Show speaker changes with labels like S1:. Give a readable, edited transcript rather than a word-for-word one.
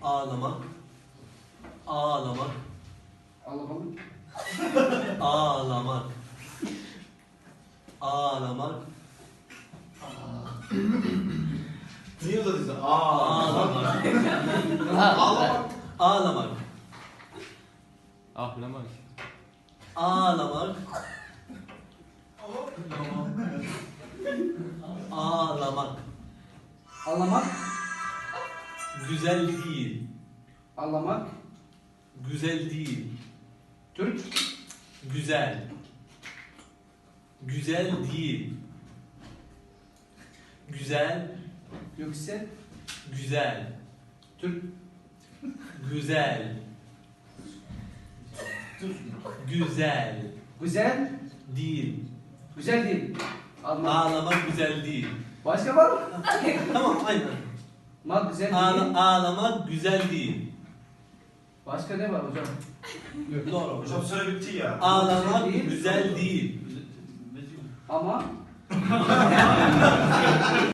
S1: Ağlamak. Ağlamak.
S2: Ağlamalı.
S1: Ağlamak. Ağlamak.
S3: Niye uzatıyorsun?
S1: Ağlamak.
S3: Ağlamak.
S1: Ağlamak.
S4: Ahlamak.
S1: Ağlamak. Ağlamak.
S2: Ağlamak.
S1: Güzel değil.
S2: Ağlamak.
S1: Güzel değil.
S2: Türk.
S1: Güzel. Güzel değil. Güzel.
S2: Yüksel.
S1: Güzel.
S2: Türk.
S1: Güzel. Güzel.
S2: Güzel.
S1: Değil.
S2: Güzel değil. Ağlamak.
S1: Ağlamak güzel değil.
S2: Başka var mı?
S1: Tamam aynen.
S2: Mak güzel değil.
S1: Ağlamak güzel değil.
S2: Başka ne var hocam?
S1: Doğru.
S3: Hocam süre bitti ya.
S1: Ağlamak
S2: Güzel değil.
S1: güzel değil.
S2: Ama